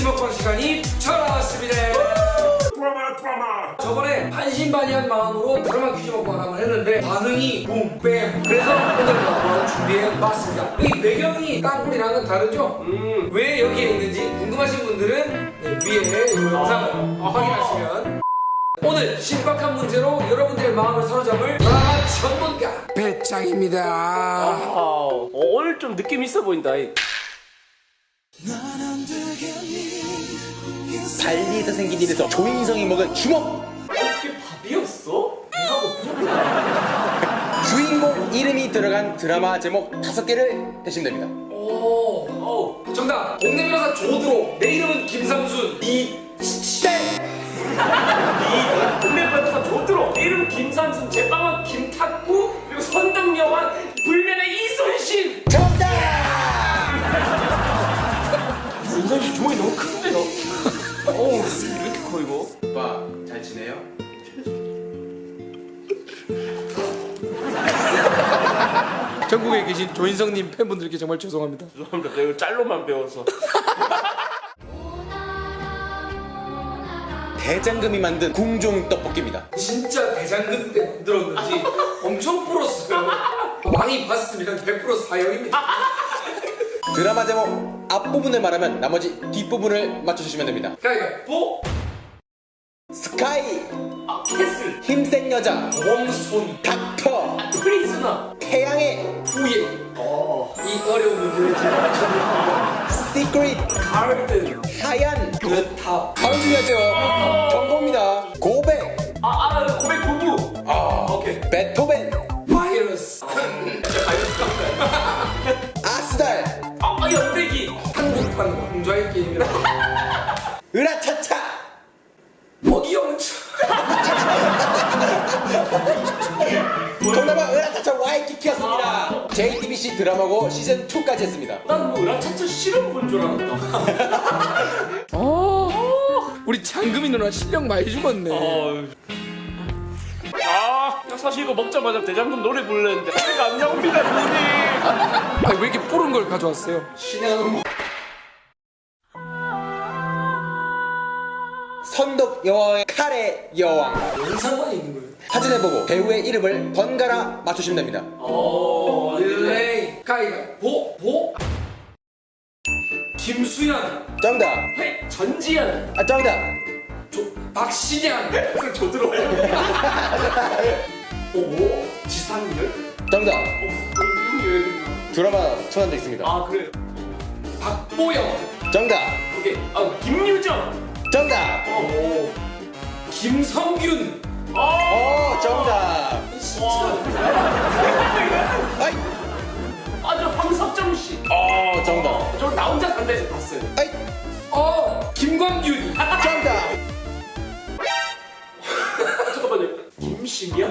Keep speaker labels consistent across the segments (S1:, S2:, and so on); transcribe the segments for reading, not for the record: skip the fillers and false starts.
S1: 먹방 시간이 돌아왔습니다. 저번에 반신반의한 마음으로 드라마 퀴즈 먹방 한번 했는데 반응이 붐뱀. 그래서 오늘 한번 준비해봤습니다. 여기 배경이 땅굴이랑은 다르죠? 왜 여기에 있는지 궁금하신 분들은 위에 이 영상을 확인하시면. 오늘 신박한 문제로 여러분들의 마음을 사로잡을 드라마 전문가 배짱입니다.
S2: 오늘 좀 느낌 있어 보인다.
S3: 발리에서 생긴 일에서 조인성이 먹은 주먹!
S2: 그게 밥이었어? 내하고 부족하다.
S3: 주인공 이름이 들어간 드라마 제목 5개를 대시면 됩니다.
S1: 오, 정답. 동네 변호사 조드로. 내 이름은 김삼순.
S2: 동네 변호사 조드로. 내 이름은 김삼순. 제빵은 김탁구. 그리고 선덕여왕 불면의 이순신.
S3: 정답!
S2: 이순신 주먹이 너무 큰데요? 어우, 왜 이렇게 커 이거?
S3: 오빠 잘 지내요?
S1: 전국에 계신 조인성님 팬분들께 정말 죄송합니다.
S2: 죄송합니다. 내가 이거 짤로만 배워서.
S3: 대장금이 만든 궁중 떡볶이입니다.
S1: 진짜 대장금 때 만들었는지 엄청 풀었어요. 왕이 봤으면 100% 사형입니다.
S3: 드라마 제목 앞부분을 말하면 나머지 뒷부분을 맞춰주시면 됩니다.
S1: 가위바위보.
S3: 스카이,
S2: 캐슬.
S3: 힘센 여자,
S1: 웜손.
S3: 닥터,
S2: 프리즈너.
S3: 태양의
S1: 후예. 이 어려운 문제를 제가 맞춰볼게요.
S3: 시크릿,
S1: 가든.
S3: 하얀,
S1: 그탑.
S3: 바로 중요하죠. 경고입니다. 고백,
S2: 고백 부부.
S1: 오케이.
S3: 베토벤,
S1: 바이러스.
S3: 아스달,
S2: 연대기.
S1: 한국판 왕좌의 게임이라.
S3: 으라차차.
S1: 어기영차.
S3: 정답은 으라차차 와이키키였습니다. JTBC 드라마고 시즌 2까지 했습니다.
S2: 난 뭐 으라차차 실험 본 줄 알았다.
S1: 우리 장금이 누나 실력 많이 죽었네.
S2: 사실 이거 먹자마자 대장금 노래 부르는데 노래가 안 나옵니다, 누님.
S1: 아니, 왜 이렇게 푸른 걸 가져왔어요?
S3: 신의 선덕 여왕의 칼의 여왕.
S1: 무슨 상관이 있는 거예요?
S3: 사진을 보고 배우의 이름을 번갈아 맞추시면 됩니다.
S1: 릴레이. 가위바위보. 김수현.
S3: 정답.
S2: 전지현.
S3: 정답.
S1: 박신양.
S2: 조들어요. 지상렬.
S3: 정답.
S2: 이름이 왜 그러나?
S3: 드라마 천한적 있습니다.
S2: 그래.
S1: 박보영.
S3: 정답.
S2: 오케이. 김유정.
S3: 정답.
S1: 김성균.
S3: 정답. 아이.
S2: 저 황석정 씨.
S3: 정답.
S2: 저 나 혼자 산다에서 봤어요.
S3: 아이.
S1: 김광균.
S3: 정답.
S2: 잠깐만요. 김신이야?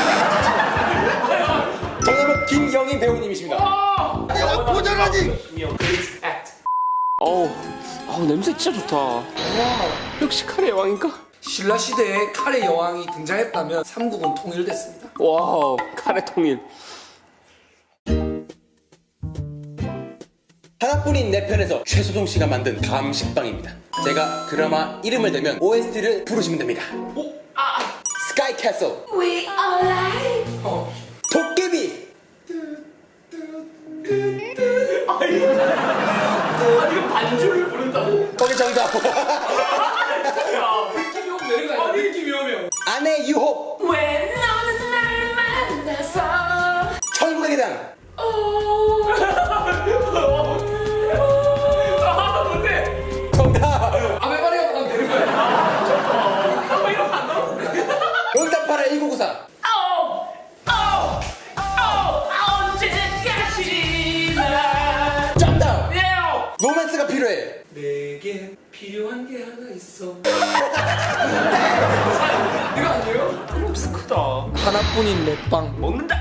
S3: 정답은 김영인 배우님이십니다.
S2: 내가 고장하지. 김영. 냄새 진짜 좋다. 역시 카레 여왕인가?
S1: 신라 시대에 칼의 여왕이 등장했다면 삼국은 통일됐습니다.
S2: 와우, 카레 통일.
S3: 하나뿐인 내 편에서 최소동 씨가 만든 감식빵입니다. 제가 드라마 이름을 대면 OST를 부르시면 됩니다. 스카이 캐슬,
S4: We are live.
S3: 도깨비,
S2: 이거 반주를 부른다고?
S3: 거기 정답.
S1: 느낌이 오면 되는 거 아니야? 느낌이 오면.
S3: 아내 유혹,
S4: 왜 너는 날 만나서
S3: 천국의 계단,
S2: 뭔데?
S3: 정답.
S1: 아메바리가 하면 되는 거야.
S2: 이러면 안 나와?
S3: 응답하라 1994.
S4: 언제까지나
S3: 정답. 로맨스가 필요해.
S1: 내게 필요한 게 하나 있어. 이거 아니에요?
S2: 록스 크다.
S1: 하나뿐인 내 빵.
S2: 먹는다.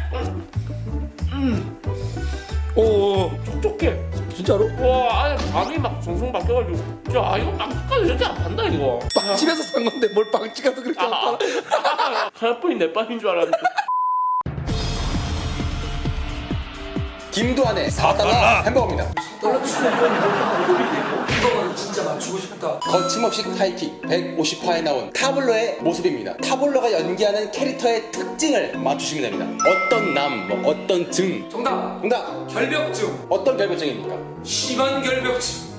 S1: 오,
S2: 촉촉해.
S1: 진짜로?
S2: 와, 안에 밤이 막 송송 바뀌어가지고. 야, 이거 빵집까지 이렇게 안 판다, 이거.
S1: 빵집에서 산 건데 뭘 빵집 가서 그렇게 안 팔아?
S2: 하나뿐인 내 빵인 줄 알았는데.
S3: 김도한의 4달러 햄버거입니다.
S1: 떨어지면 좀 고급인데 이거는 진짜 맛있어. 맞추고 싶다.
S3: 거침없이 하이킥 150화에 나온 타블로의 모습입니다. 타블로가 연기하는 캐릭터의 특징을 맞추시면 됩니다. 어떤 남, 뭐 어떤 증.
S1: 정답.
S3: 정답.
S1: 결벽증.
S3: 어떤 결벽증입니까?
S1: 심한 결벽증.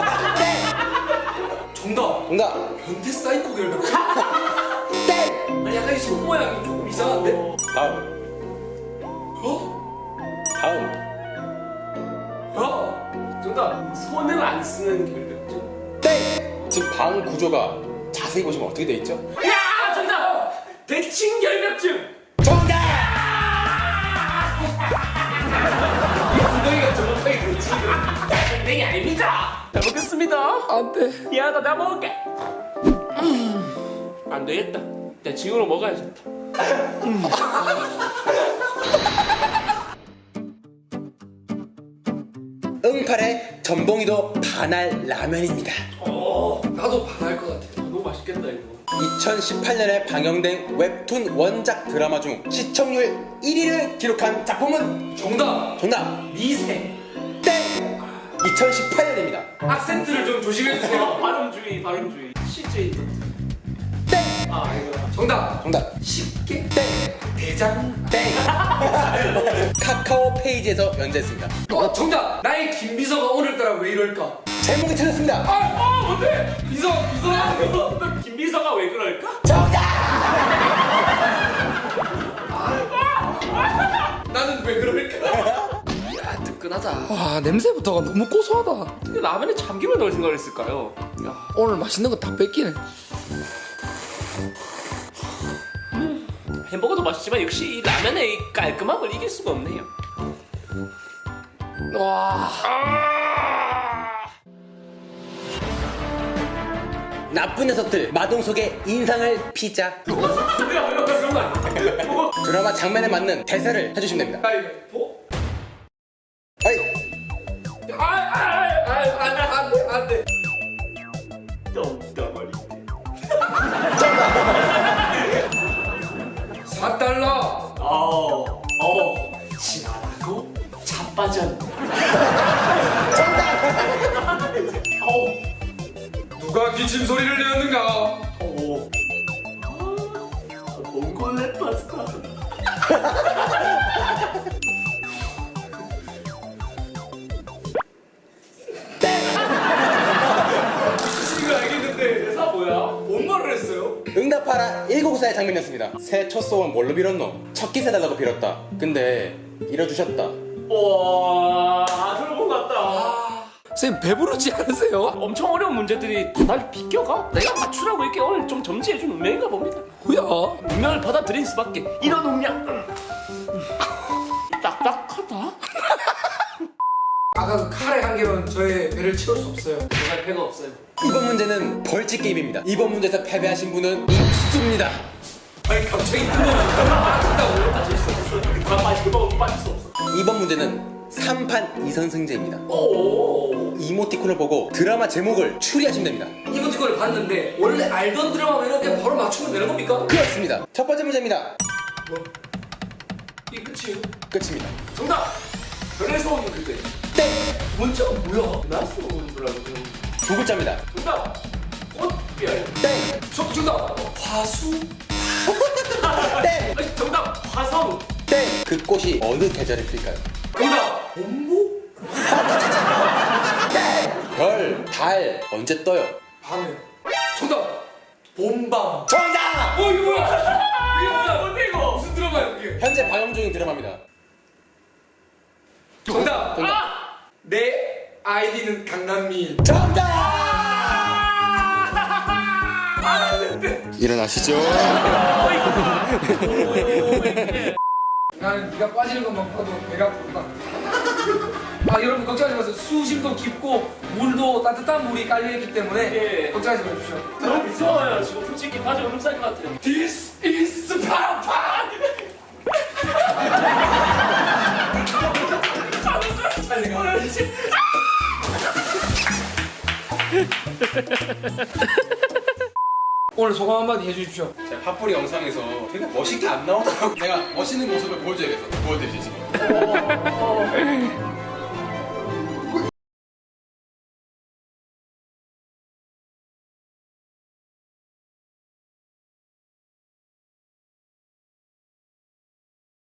S1: 정답.
S3: 정답.
S1: 변태 사이코 결벽증.
S3: 땡.
S1: 아니 약간 이 손 모양이 조금 이상한데?
S3: 다음. 다음.
S1: 야.
S2: 정답. 손을 안 쓰는 결벽증.
S3: 땡. 지금 방 구조가 자세히 보시면 어떻게 돼 있죠?
S2: 야, 정답. 대칭 결벽증.
S3: 정답.
S1: 엉덩이가 정확하게 그렇지.
S2: 땡이 아닙니다. 잘 먹겠습니다.
S1: 안 돼.
S2: 미안하다, 내가 먹을게. 안 되겠다. 내 지금으로 먹어야겠다.
S3: 응팔의 전봉이도 반알 라면입니다.
S1: 나도 반할 것 같아.
S2: 너무 맛있겠다 이거.
S3: 2018년에 방영된 웹툰 원작 드라마 중 시청률 1위를 기록한 작품은
S1: 정답.
S3: 정답.
S1: 미생.
S3: 땡. 2018년입니다.
S1: 악센트를 좀 조심해주세요.
S2: 발음주의, 발음주의. CJ 도.
S3: 땡.
S2: 아, 이거야.
S1: 정답.
S3: 정답.
S1: 쉽게.
S3: 땡.
S1: 대장.
S3: 땡. 카카오 페이지에서 연재했습니다.
S1: 정답. 나의 김비서가 오늘따라 왜 이럴까?
S3: 제목이 틀렸습니다.
S1: 뭔데? 비서.
S2: 김비서가 왜 그럴까?
S1: 나는 왜 그럴까? 이야 뜨끈하다. 와 냄새부터가 너무 고소하다.
S2: 어떻게 라면에 참기름을 넣을 생각을 했을까요? 야.
S1: 오늘 맛있는 거 다 뺏기네.
S2: 햄버거도 맛있지만 역시 이 라면의 이 깔끔함을 이길 수가 없네요.
S1: 와.
S3: 나쁜 녀석들 마동석의 인상을 피자. 드라마 장면에 맞는 대사를 해주시면 됩니다.
S1: 가위바위보.
S3: 아이.
S1: 안돼.
S2: 똥덩어리.
S1: 4달러.
S2: 지나라고 자빠졌네.
S1: 누가 기침 소리를 내었는가?
S2: 몽골레 파스타.
S1: 무슨 거 알겠는데
S2: 대사 뭐야?
S1: 뭔 말을 했어요?
S3: 응답하라 194의 장면이었습니다. 새 첫 소원 뭘로 빌었노? 첫 기세 달라고 빌었다. 근데 이뤄주셨다.
S2: 와, 들어본 것 같다.
S1: 선생님 배부르지 않으세요?
S2: 엄청 어려운 문제들이 다 날 비껴가? 내가 맞추라고 이렇게 오늘 좀 점지해준 운명인가 봅니다.
S1: 뭐야?
S2: 운명을 받아들일 수밖에. 이런 운명. 딱딱하다.
S1: 아까 그 칼의 한계로는 저의 배를 채울 수 없어요.
S2: 정말 배가 없어요.
S3: 이번 문제는 벌칙 게임입니다. 이번 문제에서 패배하신 분은 익수입니다.
S1: 아니 갑자기 뜯어진다고?
S2: 빠질 수 없어. 다 맛있게 먹으면 빠질 수 없어.
S3: 이번 문제는 3판 2선승제입니다.
S2: 오.
S3: 이모티콘을 보고 드라마 제목을 추리하시면 됩니다.
S1: 이모티콘을 봤는데 원래 알던 드라마면 그냥 바로 맞추면 되는 겁니까?
S3: 그렇습니다. 첫 번째 문제입니다.
S1: 이게 끝이에요?
S3: 끝입니다.
S2: 정답. 별에서 오는 그대.
S3: 땡!
S1: 문자가 뭐야?
S2: 나스 오는 거라고 지금.
S3: 두 글자입니다.
S2: 정답. 꽃별.
S3: 땡!
S1: 정답. 화수.
S3: 땡!
S2: 아니, 정답. 화성.
S3: 땡! 그 꽃이 어느 계절에 필까요?
S1: 정답. 본보?
S3: 별, 달 언제 떠요?
S1: 밤에. 정답. 봄밤.
S3: 정답!
S1: 이거 뭐야? 이게 뭐야?
S2: 뭔데 이거?
S1: 무슨 드라마야 이게?
S3: 현재 방영 중인 드라마입니다.
S1: 정답.
S3: 정답.
S1: 내 아이디는 강남미.
S3: 정답! 일어나시죠.
S1: 나는 네가 빠지는 것만 봐도 배가 부르다. 여러분 걱정하지 마세요. 수심도 깊고 물도 따뜻한 물이 깔려있기 때문에
S2: 예.
S1: 걱정하지 마십시오.
S2: 너무 무서워요. 지금 솔직히 바지 얼음 쌀것 같아요.
S1: This is 파파. 오늘 소감 한마디 해주십시오.
S3: 제가 팝뿌리 영상에서 되게 멋있게 안 나오더라고. 내가 멋있는 모습을 보여줘야겠어. 보여드리지 지금.